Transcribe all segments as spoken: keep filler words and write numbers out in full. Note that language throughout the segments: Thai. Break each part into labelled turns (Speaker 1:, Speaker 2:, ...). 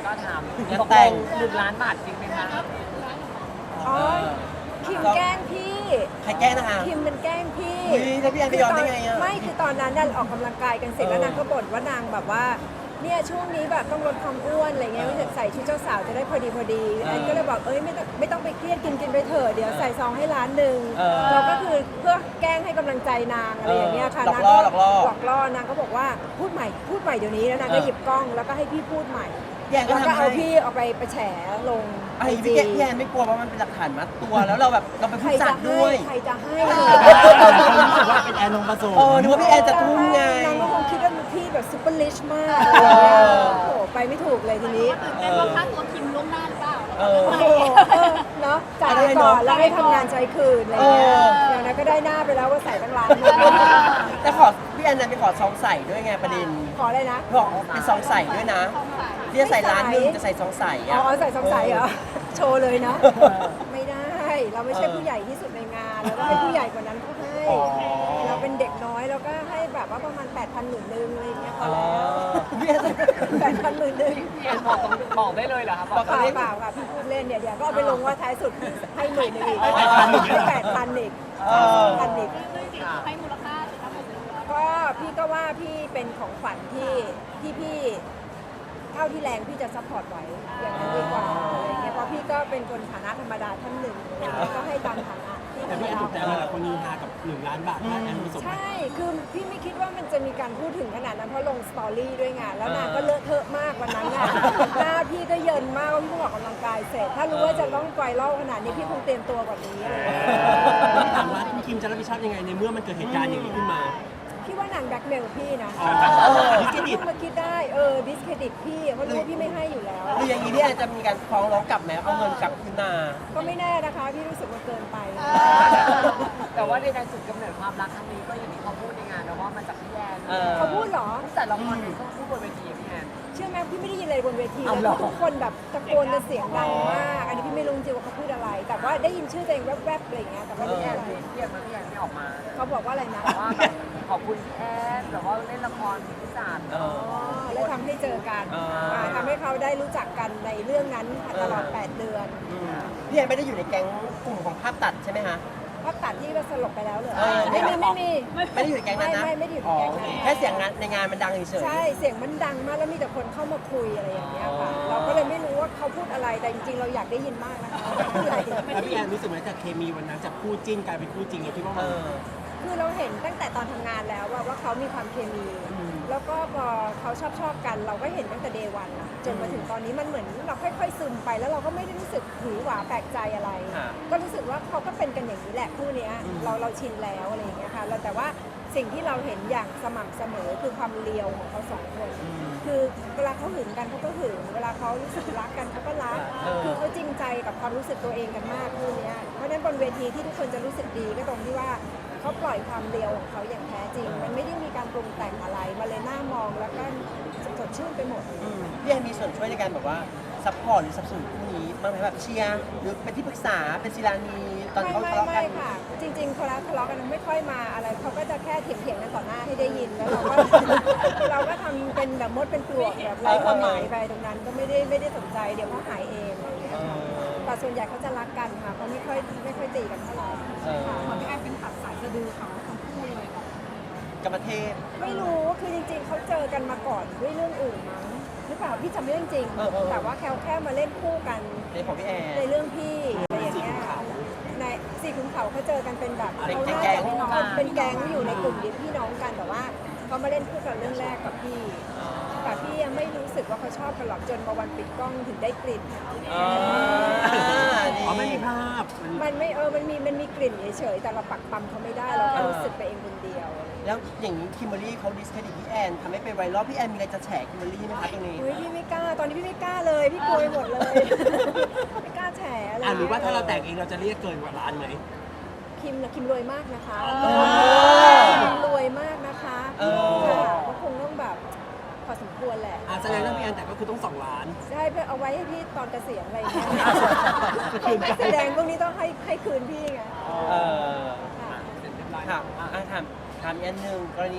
Speaker 1: ก็ถาม
Speaker 2: งาน
Speaker 1: ตก
Speaker 2: แต่
Speaker 1: ล
Speaker 2: ง
Speaker 1: งหนึ่งล้านบาทจริงไหมคะ
Speaker 3: อ๋อคิมแกล้งพี่
Speaker 2: ใครแกล้งนะคะ
Speaker 3: คิมมันแกล้งพี่
Speaker 2: อุ๊ยแล้วพี่แอนไปยอมได้ไงอะ
Speaker 3: ไม่คือตอนนั้นนั่นออกกำลังกายกันเสร็จแล้ว
Speaker 2: เออ
Speaker 3: นางก็บ่นว่านางแบบว่าเนี่ยช่วงนี้แบบต้องลดความอ้วนอะไรเงี้ย
Speaker 2: เออ
Speaker 3: ไม่ใส่ชุดเจ้าสาวจะได้พอดีพอดี
Speaker 2: เออ
Speaker 3: แอนก็เลยบอกเอ้ยไม่ต้องไม่ต้องไปเครียดกินกินไปเถอะเดี๋ยวใส่ซองให้ร้านหนึ่ง
Speaker 2: เออ
Speaker 3: เราก็คือเพื่อแกล้งให้กำลังใจนางอะไรอย่างเงี้ยค่ะ
Speaker 2: หลอก
Speaker 3: นาง
Speaker 2: ล่อ
Speaker 3: ก็
Speaker 2: หลอกล่อ
Speaker 3: หลอกล่อนางก็บอกว่าพูดใหม่พูดใหม่เดี๋ยวนี้แล้วนางก็
Speaker 2: เออ
Speaker 3: หยิบกล้องแล้วก็ให้พี่พูดใหม่
Speaker 2: พี่แอนก็
Speaker 3: แล้วก็
Speaker 2: ทำ
Speaker 3: เอา
Speaker 2: ให้
Speaker 3: พี่เอาไปไปแฉลง
Speaker 2: ไอ้
Speaker 3: ไอ
Speaker 2: พี่
Speaker 3: จี
Speaker 2: แกพี่แอนไม่กลัวเพราะมันเป็นหลักฐานมัดตัวแล้วเราแบบเราเป็น
Speaker 3: ใคร
Speaker 2: ผู้จั
Speaker 3: จะ
Speaker 2: ด
Speaker 3: ให้
Speaker 2: ด้วย
Speaker 3: ใครจะให้
Speaker 4: รู้สึกว่าเป็นแอนนงผสม
Speaker 2: เออนึกว่าพี่แอนจะทุ่มไง
Speaker 3: นางก็คงคิดว่าพี่แบบซุปเปอร์ลิชมาก
Speaker 2: เออ
Speaker 3: โอ้โหไปไม่ถูกเลยทีนี้
Speaker 5: ตื่นเต้นว่าค่าตัวคิมล่วงหน้าหรือเปล่า
Speaker 2: เออ
Speaker 3: โอ้โหเออเนาะจ่ายไปก่อนแล้วให้ทำงานใช้คืนอะไรเงี้ย
Speaker 2: เออ
Speaker 3: อย่างนั้นก็ได้หน้าไปแล้วว่าใส่ตั้งร้านหนึง
Speaker 2: แต่ขอพี่แอนนะไปขอซองใส่ด้วยไงประเด็น
Speaker 3: ขออะไรนะ
Speaker 2: บอกเป็นซองใส่ด้วยนะที่จะใส่ร้านหนึงจะใส่ซองใส่
Speaker 3: อ๋
Speaker 2: อะ
Speaker 3: อใส่สงสัยเหรอ โชว์เลยนะ ไม่ได้ เราไม่ใช่ผู้ใหญ่ที่สุดในงานเราต้องให้ผู้ใหญ่กว่านั้นเขาให้
Speaker 2: อ๋อ
Speaker 3: เราเป็นเด็กน้อยเราก็ให้แบบว่าประมาณแปดพันหมื่นนึงอะไรอย่างเงี้ยพอ
Speaker 2: อ๋อ
Speaker 3: แล้ว
Speaker 2: พี่แอน
Speaker 3: แปดพันหมื่นนึง
Speaker 1: พี่แอนบอกตรงบอกได้เลยเหรอคะบอก
Speaker 3: เปล่าเปล่าค่ะพี่พูดเล่นเนี่ยเดี๋ยวก็เอาไปลงว่าท้ายสุดให้หมื่นหนึงอีก
Speaker 2: ให้แปดพันอีก
Speaker 3: ให้แปดพันอีก
Speaker 2: เออ
Speaker 3: พันอีก
Speaker 5: ให้มูลค่าทั้งหมดเลย
Speaker 3: ก็พี่ก็ว่าพี่เป็นของขวัญที่ที่พี่เท่าที่แรงพี่จะซัพพอร์ตไว้อย่างนั้นดีกว่าอะไรเงี้ยเพราะพี่ก็เป็นคนฐานะธรรมดาท่านหนึ่งอะไรเงี้ยก็ให้ตามฐานะที่
Speaker 4: แต่พี่แอนถูกใจหลายคนนินทากับหนึ่งล้านบาทนะแอนผสม
Speaker 3: ใช่ คือพี่ไม่คิดว่ามันจะมีการพูดถึงขนาดนั้นเพราะลงสตอรี่ด้วยไงแล้วนางก็เลอะเทอะมากวันนั้นน่ะหน้าพี่ก็เยินมากว่าพี่เพิ่งออกกำลังกายเสร็จ ถ้ารู้ว่าจะต้องไกวเล่าขนาดนี้พี่คงเตรียมตัวกว่านี้อะไรเงี้ย
Speaker 4: พี่ถามว่าพี่คิมจะรับผิดชอบยังไงในเมื่อมันเกิดเหตุการณ์อย่างนี้ขึ้นมา
Speaker 3: พี่ว่านางแบล็กเมลพี่นะ
Speaker 4: อ๋อดิสเครดิต
Speaker 3: เพิ่งมาคิดได้เออดิสเครดิตพี่เพราะรู้ว่าพี่ไม่ให้อยู่แล้ว
Speaker 2: หรืออย่างนี้พี่แอนจะมีการฟ้องร้องกลับไหมเอาเงินกลับคืนมา
Speaker 3: ก็ไม่แน่นะคะ พี่รู้สึกว่าเกินไป
Speaker 1: แต่ว่าในการจุดกำเนิดความรักครั้งนี้ก็อย่างที่เขาพูดในงานนะว่ามาจากพี่แอน
Speaker 2: เออ
Speaker 3: เขาพูดเหรอ
Speaker 1: แต่ละคนก็พูดบนเวทีอะพี่แอน
Speaker 3: เชื่อไหมพี่ไม่ได้ยินอะไรบนเวที
Speaker 1: เอา
Speaker 3: เลย
Speaker 1: เหรอ
Speaker 3: ทุกคนแบบตะโกนกันเสียงดังมาก อันนี้พี่ไม่รู้จริงว่าเขาพูดอะไร แต่ว่าได้ยินชื่อตัวเองแวบๆอะไรอย่างเงี้ยแต่ว่าไม่
Speaker 1: พี่แอ
Speaker 3: ได้
Speaker 1: น
Speaker 3: อะไร
Speaker 1: พี่แอนมาพี่แอนไม่ออกมา
Speaker 3: เขาบอกว่าอะไรนะ
Speaker 1: ว่าแบบขอบคุณพี่แอนแต่ว่าเล่นละครพิศาจ
Speaker 2: เอ
Speaker 3: อ๋อ
Speaker 2: อ
Speaker 3: แล้วทำให้เจอกัน
Speaker 2: อ่า
Speaker 3: อ่าทำให้เขาได้รู้จักกันในเรื่องนั้นตลอดแปดเดือน
Speaker 2: อืมพี่แอนไม่ได้อยู่ในแก๊งกลุ่มของภาพตัดใช่ไหมคะ
Speaker 3: พักตัดที่ว่าสลบไปแล้วเหรอ
Speaker 2: เออ
Speaker 3: ไม่มีไม่มี
Speaker 2: ไม่ได้อยู่ในแก๊งนั้นนะ
Speaker 3: ไม่ไม่ไม่ได้อยู่ในแก๊งนั้น
Speaker 2: อ๋อแค่เสียงงานในงานมันดังเฉยๆ
Speaker 3: ใช่ เสียงมันดังมากแล้วมีแต่คนเข้ามาคุยอะไรอย่างเงี้ยค่ะ
Speaker 2: อ๋อ
Speaker 3: เราก็เลยไม่รู้ว่าเขาพูดอะไร แต่จริงๆ เราอยากได้ยินมากนะคะพูดอะไร
Speaker 4: แล้วพี่แอนรู้สึกไหมจากเคมีวันนั้นจากคู่จิ้นกลายเป็นคู่จริงเราคิดว่า
Speaker 2: เอ
Speaker 4: มัน
Speaker 2: อ
Speaker 3: คือเราเห็นตั้งแต่ตอนทำงานแล้วว่าว่าเขามีความเคมี
Speaker 2: อืม
Speaker 3: แล้วก็พอเขาชอบชอบกัน เราก็เห็นตั้งแต่เดวันจนมาถึงตอนนี้มันเหมือนเราค่อยๆซึมไปแล้วเราก็ไม่ได้รู้สึกหือหวาแปลกใจอะไร
Speaker 2: ค่ะ
Speaker 3: ก็รู้สึกว่าเขาก็เป็นกันอย่างนี้แหละคู่เนี้ย
Speaker 2: อืม
Speaker 3: เราเราชินแล้วอะไรอย่างเงี้ยค่ะแล้วแต่ว่าสิ่งที่เราเห็นอย่างสม่ำเสมอคือความเลียวของเขาสองคน
Speaker 2: อืม
Speaker 3: คือเวลาเขาหึงกันเขาก็หึงเวลาเขารู้สึกรักกันเขาก็รัก
Speaker 2: เออ
Speaker 3: คือเขาจริงใจกับความรู้สึกตัวเองกันมากคู่เนี้ยเพราะฉะนั้นบนเวทีที่ทุกคนจะรู้สึกดีก็ตรงที่ว่าเขาปล่อยความเลียวของเขาอย่างแท้จริง มันไม่ได้มีการปรุงแต่งอะไรมาเลยหน้ามองแล้วก็สดชื่นไปหมด
Speaker 2: อืมพี่แอนมีส่วนช่วยในการแบบว่าซัพพอร์ตหรือสนับสนุนคู่นี้บ้างไหมแบบเชียร์หรือเป็นที่ปรึกษาเป็นศิลานีตอน
Speaker 3: ไม่
Speaker 2: เขา
Speaker 3: ไม่
Speaker 2: ทะเลาะกั
Speaker 3: ไม่
Speaker 2: น
Speaker 3: ค่ะ จริงๆเขาแล้วทะเลาะกันไม่ค่อยมาอะไรเขาก็จะแค่เถียงๆกันต่อหน้าให้ได้ยินแล้วเราก็ เราก็ทำเป็นแบบมดเป็นปลวกแบบไร้ความหมายไปตรงนั้นก็ไม่ได้ไม่ได้สนใจเดี๋ยวเขาหายเองอะไรอย่างเงี้ย
Speaker 2: เอ
Speaker 3: ค่ะ
Speaker 2: อ
Speaker 3: แต่ส่วนใหญ่เขาจะรักกันค่ะเขาไม่ค่อยไม่ค่อยตีกันเท่าไหร่
Speaker 2: เออ
Speaker 3: ค่ะ
Speaker 5: พี่แอนเป็นตัดสายสะดือเขาทั้งคู่เลย
Speaker 2: กับประเทศ
Speaker 3: ไม่รู้คือจริงๆเขาเจอกันมาก่อนด้วยเรื่องอื่นมั้งหรือเปล่าพี่จำไม่ได้จริง
Speaker 2: เออเออ
Speaker 3: แต่ว่าแค่แค่มาเล่นคู่กัน
Speaker 2: ในของพี่แอน
Speaker 3: ในเรื่องพี่อะไรอย่างเงี้ยในสี่ขุนเขาเขาเจอกันเป็นแบบ
Speaker 2: เป็น
Speaker 3: เขาน่า
Speaker 2: แก๊
Speaker 3: จะ
Speaker 2: ง
Speaker 3: เป็นเขาเป็นแก๊งอยู่ในกลุ่มเดียวพี่น้องกันแต่ว่าเขามาเล่นคู่กันเรื่องแรกกับพี่ แต่พี่ยังไม่รู้สึกว่าเขาชอบกันหรอกจนมาวันปิดกล้องถึงได้กลิ่น
Speaker 2: อ่านี่
Speaker 4: อ๋อไม่มีภาพมัน
Speaker 3: มันไม่เออมันมีมันมีกลิ่นเฉยๆแต่เราปักปั๊มเขาไม่ได้เราแค่รู้สึกไปเองคนเดียว
Speaker 2: แล้วอย่างนี้คิมเบอรรี่เขาดิสเครดิตพี่แอนทำให้เป็นไวรัลพี่แอนมีอะไรจะแฉคิมเบอรรี่ไหมคะตรงนี้
Speaker 3: เฮ้ยพี่ไม่กล้าตอนนี้พี่ไม่กล้าเลยพี่กลัวไปหมดเลย ไม่กล้าแฉอะไร
Speaker 4: อ่ะหรือว่าถ้าเราแต่งเองเราจะเรียกเกินกว่าล้านไหม
Speaker 3: คิมนะคิมรวยมากนะคะ
Speaker 2: อ
Speaker 3: คิมรวยมากนะคะ
Speaker 2: เออ
Speaker 3: ค่ะก็คงต้องแบบพอสมควรแหละ
Speaker 4: อ่ะแสดงว่าพี่แอนแต่ก็คือต้องสองล้าน
Speaker 3: ใช่เพื่อเอาไว้ให้พี่ตอนเกษียณอะไรอย่างเงี้ย
Speaker 4: จะคืนกัน
Speaker 3: แสดงพวกนี้ต้องให้ให้คืนพี่ไง
Speaker 2: เออ
Speaker 3: ค่ะ
Speaker 2: ค่ะอ่ะถามถามถามอีกอันหนึ่งกรณี
Speaker 3: ค่ะ
Speaker 2: ค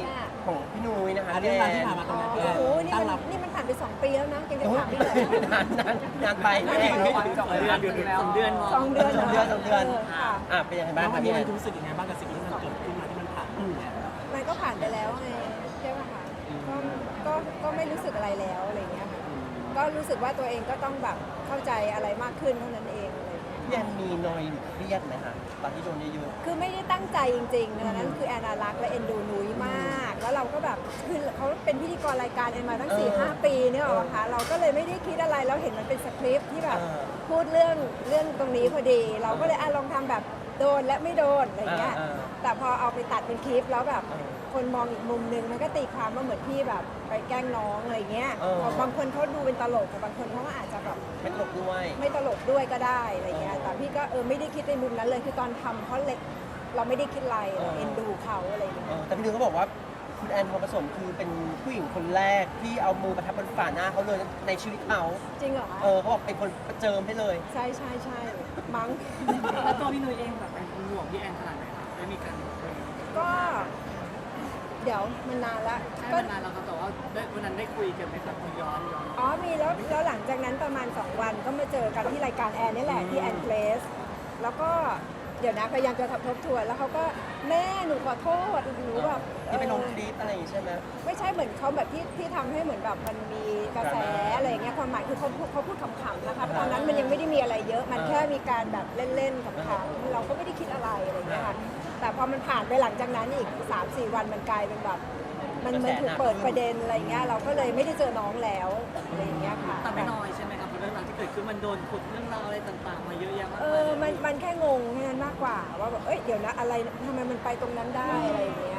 Speaker 2: ของพี่นุ้ยนะคะ
Speaker 4: อ่ะเรื่องราวที่ผ่านมาตรงนั้นพี่แอ
Speaker 3: โอ้
Speaker 4: น
Speaker 3: โหนี่
Speaker 4: ตั้ง
Speaker 3: มัน
Speaker 4: รับ
Speaker 3: นี่มันผ่านไปสองปีแล้วนะยังจะ
Speaker 2: โอ้ย
Speaker 3: ถามพี่เลย
Speaker 2: นานนานนานไปแม่
Speaker 1: สองเดือนสองเดือน
Speaker 3: สองเดือน
Speaker 2: สองเดือนสองเดือน
Speaker 3: ค่ะ
Speaker 2: อ่ะเป็นยังไงบ้า
Speaker 4: แล้
Speaker 2: ง
Speaker 4: ว
Speaker 2: ค
Speaker 4: วั
Speaker 2: รับ
Speaker 4: นนี้
Speaker 2: พี่แอ
Speaker 4: มัน นรู้สึกยังไงบ้างกับสิ่งที่มันเกิดขึ้นมาที่มันผ่านมาเนี่ย
Speaker 3: มันก็ผ่านไปแล้วไงใช่ไหมคะก็ก็ก็ไม่รู้สึกอะไรแล้วอะไรเงี้ยค่ะก็รู้สึกว่าตัวเองก็ต้องแบบเข้าใจอะไรมากขึ้นเท่านั้นเองอะไรเงี้ย
Speaker 2: พี่แอนมีนอยหรือเครียดไหมคะตอนที่โดนเยอะ
Speaker 3: คือไม่ได้ตั้งใจจริงๆนะนั้นคือแอนนารักและเอ็นดูนุ้ยมาก แล้วเราก็แบบคือเขาเป็นพิธีกรรายการเอ็นมาตั้งสี่ห้าปีเนี่ยหรอคะเราก็เลยไม่ได้คิดอะไรแล้วเห็นมันเป็นสคริปต์ที่แบบพูดเรื่องเรื่องตรงนี้พอดี เราก็เลยอ่ะลองทำแบบโดนและไม่โดนอะไรเงี้ย แต่พอเอาไปตัดเป็นคลิปแล้วแบบคนมองอีกมุมนึงมันก็ตีความว่าเหมือนพี่แบบไปแกล้งน้องอะไรเงี้ยบางคนเขาดูเป็นตลกแต่บางคนเขาก็อาจจะแบบ
Speaker 2: ๆไม่ตลกด้วย
Speaker 3: ไม่ตลกด้วยก็ได้อะไรเงี้ย แต่พี่ก็เออไม่ได้คิดในมุมนั้นเลยคือตอนทำเพราะเล็กเราไม่ได้คิดอะไรเราเอ็นดูเขาอะไรเงี้
Speaker 2: เอย อแต่พี่นุ้ยเขาบอกว่าคุณแอนทองผสมคือเป็นผู้หญิงคนแรกที่เอามือประทับบนฝ่าหน้าเขาเลยในชีวิตเขา
Speaker 3: จริงเหรอคะ
Speaker 2: เออเขาบอกเป็นคนประเจิมให้เลย
Speaker 3: ใช่ใช่ใช่มั้ง
Speaker 6: แล้วตัวพี่นุ้ยเองแบบเป็นห่วงพี่แอนขนาดไหนครับได้มีการคุย
Speaker 3: ก็ เดี๋ยวมันนานละ
Speaker 6: ใช่
Speaker 3: ก็
Speaker 6: มานานแล้วครับแต่ว่าได้วันนั้นได้คุยกันไหมครับย้อนย้อน
Speaker 3: อ๋อมีแล้วแล้วหลังจากนั้นประมาณสองวันก็มาเจอกันที่รายการแอนนี่แหละที่แอนเพลสแล้วก็เดี๋ยวนะพยายามจะทบทบทวนแล้วเขาก็แม่หนูขอโทษหนูแบบ
Speaker 2: ที่ไปลง
Speaker 3: เออ
Speaker 2: คลิปอะไรอย่างงี้ใช่ไหม
Speaker 3: ไม่ใช่เหมือนเขาแบบที่ที่ทำให้เหมือนแบบมันมีกระแสอะไรอย่างเงี้ยความหมายคือเขาพูดเขาพูดขำๆนะคะตอนนั้นมันยังไม่ได้มีอะไรเยอะ มันแค่มีการแบบเล่นๆขำๆเราก็ไม่ได้คิดอะไรอะไรอย่างเงี้ยค่ะแต่พอมันผ่านไปหลังจากนั้นอีก สามสี่ วันมันกลายเป็นแบบมันมันถูกเปิดประเด็นอะไรเงี้ยเราก็เลยไม่ได้เจอน้องแล้วอะไรอย่างเงี้ยค่ะ
Speaker 6: แต่ไม่น้อยใช่ไหมครับเพราะเรื่องราวที่เกิดขึ้นมันโดนขุดเรื่องราวอะไรต่างๆ มาเยอะแยะมาก
Speaker 3: เอ
Speaker 6: มาย
Speaker 3: อมันมันแค่งงแค่นั้นมากกว่าว่าแบบเอ้ยเดี๋ยวนะอะไรทำไมมันไปตรงนั้นได้อะไรอย่างเงี้ย